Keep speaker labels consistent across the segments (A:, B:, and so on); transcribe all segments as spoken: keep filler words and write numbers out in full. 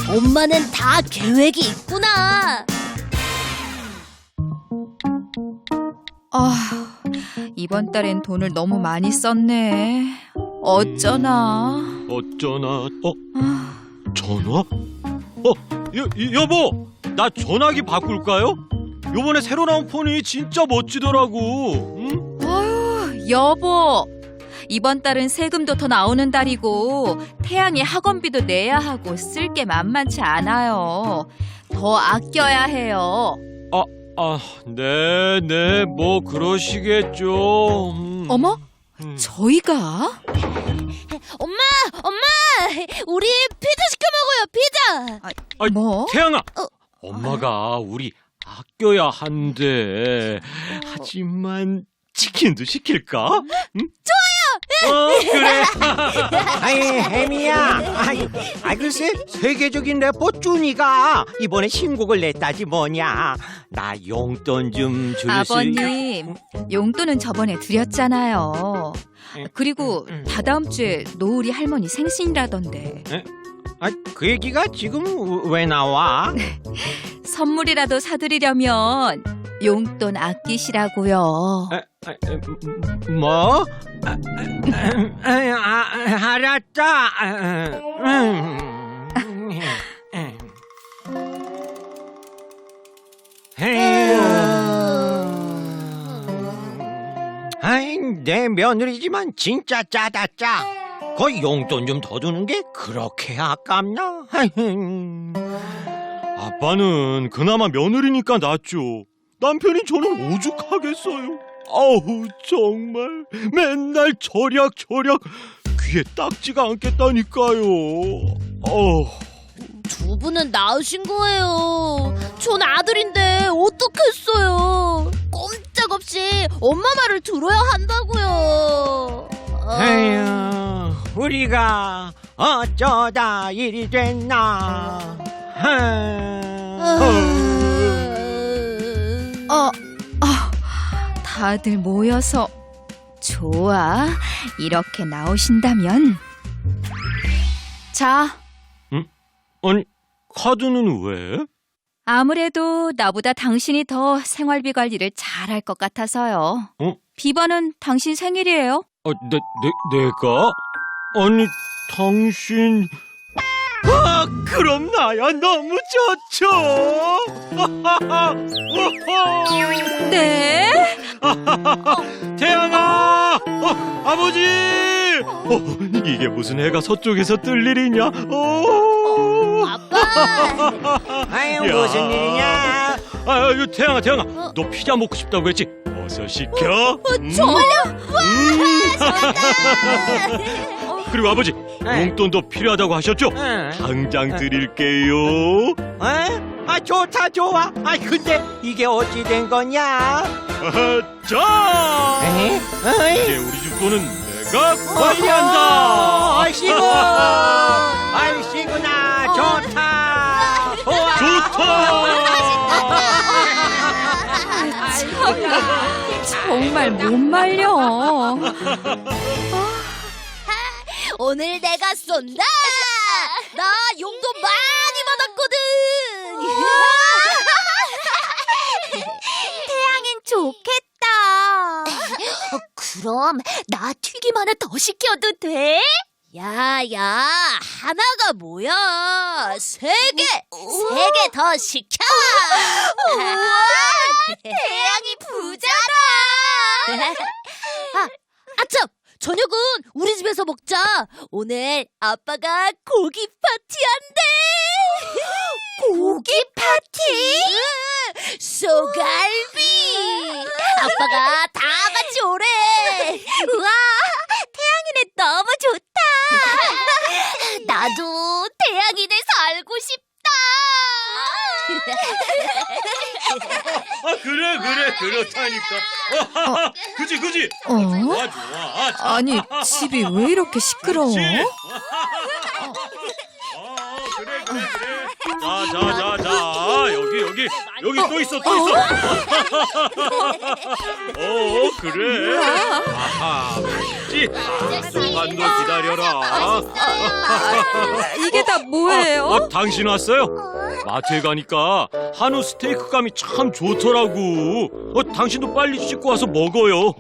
A: 엄마는 다 계획이 있구나.
B: 아, 이번 달엔 돈을 너무 많이 썼네. 어쩌나.
C: 어쩌나. 어?
B: 아,
C: 전화? 어? 여, 여보! 나 전화기 바꿀까요? 요번에 새로 나온 폰이 진짜 멋지더라고. 응?
B: 아유, 여보. 이번 달은 세금도 더 나오는 달이고 태양이 학원비도 내야 하고 쓸 게 만만치 않아요. 더 아껴야 해요.
C: 아, 네, 네, 뭐 그러시겠죠. 음.
B: 어머?
C: 음.
B: 저희가?
A: 엄마, 엄마, 우리 피자 시켜 먹어요. 피자.
C: 아이,
B: 뭐?
C: 태양아!
A: 어.
C: 엄마가 우리 아껴야 한대. 하지만 치킨도 시킬까? 응? 좋아요! 어, 그래.
D: 아이 혜미야, 아이, 아 글쎄 세계적인 래퍼 쭈니가 이번에 신곡을 냈다지 뭐냐. 나 용돈 좀 줄 수.
B: 아버님, 용돈은 저번에 드렸잖아요. 그리고
D: 음.
B: 다다음 주에 노을이 할머니 생신이라던데
D: 아, 그 얘기가 지금 왜 나와?
B: 선물이라도 사드리려면 용돈 아끼시라고요.
D: 아, 아, 음, 뭐? 아, 아, 아, 아, 알았다. 아, 음, 음, 음. 아이, 내 며느리지만 진짜 짜다 짜. 거의 용돈 좀 더 주는 게 그렇게 아깝나?
C: 아빠는 그나마 며느리니까 낫죠. 남편이 저는 오죽하겠어요. 아우, 정말 맨날 절약 절약 귀에 딱지가 않겠다니까요. 어우.
A: 두 분은 낳으신 거예요. 전 아들인데 어떡했어요. 꼼짝없이 엄마 말을 들어야 한다고요. 아,
D: 에휴, 우리가 어쩌다 일이 됐나.
A: 아,
B: 어, 어, 다들 모여서 좋아. 이렇게 나오신다면 자,
C: 아니, 카드는 왜?
B: 아무래도 나보다 당신이 더 생활비 관리를 잘할 것 같아서요.
C: 어?
B: 비번은 당신 생일이에요.
C: 아, 내, 내, 내가? 아니, 당신... 아, 그럼 나야 너무 좋죠.
B: 네?
C: 태양아! 어, 아버지! 어, 이게 무슨 해가 서쪽에서 뜰 일이냐? 어.
A: 아빠.
D: 아유,
C: 야.
D: 무슨 일이냐?
C: 아, 이거 태양아, 태양아,
A: 어?
C: 너 피자 먹고 싶다고 했지? 어서 시켜. 음.
A: 정말요?
C: 음. 그리고 아버지,
D: 네.
C: 용돈도 필요하다고 하셨죠?
D: 응.
C: 당장 드릴게요.
D: 어? 아, 좋다, 좋아. 아, 근데 이게 어찌 된 거냐?
C: 아하, 자,
D: 에?
C: 이제
D: 어이?
C: 우리 집 돈은 내가 관리한다.
D: 아이씨고! 아이씨구나, 좋다! 좋아!
C: 좋다.
B: 정말 못 말려.
A: 오늘 내가 쏜다. 나 용돈 많이 받았거든. 태양인 좋겠다. 어, 그럼 나 튀김 하나 더 시켜도 돼? 야야, 하나가 뭐야? 세 개, 세 개 더 시켜. 우와, 태양이 부자다. 아, 아참, 저녁은 우리 집에서 먹자. 오늘 아빠가 고기 파티한대. 고기 파티? 응, 소갈비. 아빠가 다 같이 오래. 우와, 태양이네 너무 좋다. 나도 태양이네 살고 싶다.
C: 아, 그래, 그래, 그렇다니까. 어, 그지, 그지.
B: 어?
C: 좋아, 좋아. 자,
B: 아니, 집이 왜 이렇게 시끄러워?
C: 그렇지. 아, 그래, 그래, 그래. 자, 자, 자, 자. 여기, 여기. 여기 여기 또 있어 또 있어. 어 그래. 아하 지. 조금만 더 기다려라.
B: 이게 다 뭐예요?
C: 어, 어, 당신 왔어요? 마트에 가니까 한우 스테이크감이 참 좋더라고. 어, 당신도 빨리 씻고 와서 먹어요.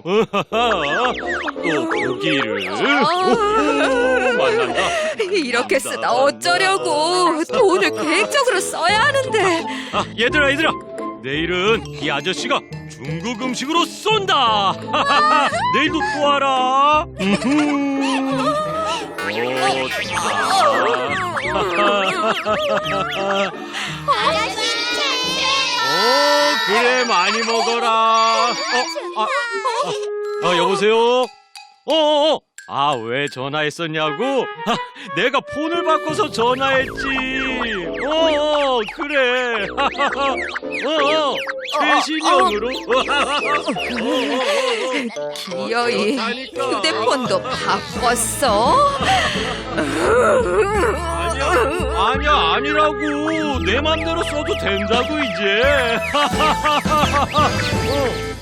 C: 또 고기를. 오, 만난다.
B: 이렇게 쓰다 어쩌려고. 돈을 계획적으로 써야 하는데.
C: 아, 얘들아, 얘들아. 내일은 이 아저씨가 중국 음식으로 쏜다. 내일도 또 와라. 오,
A: 아저씨
C: 오, 그래 많이 먹어라. 어, 아, 아, 아, 여보세요. 어, 어, 어. 아, 왜 전화했었냐고? 아, 내가 폰을 바꿔서 전화했지. 어, 어 그래. 어, 어, 최신형으로.
B: 기어이
C: 그렇다니까.
B: 휴대폰도 바꿨어?
C: 아니야, 아니야, 아니라고. 내 맘대로 써도 된다고 이제. 어.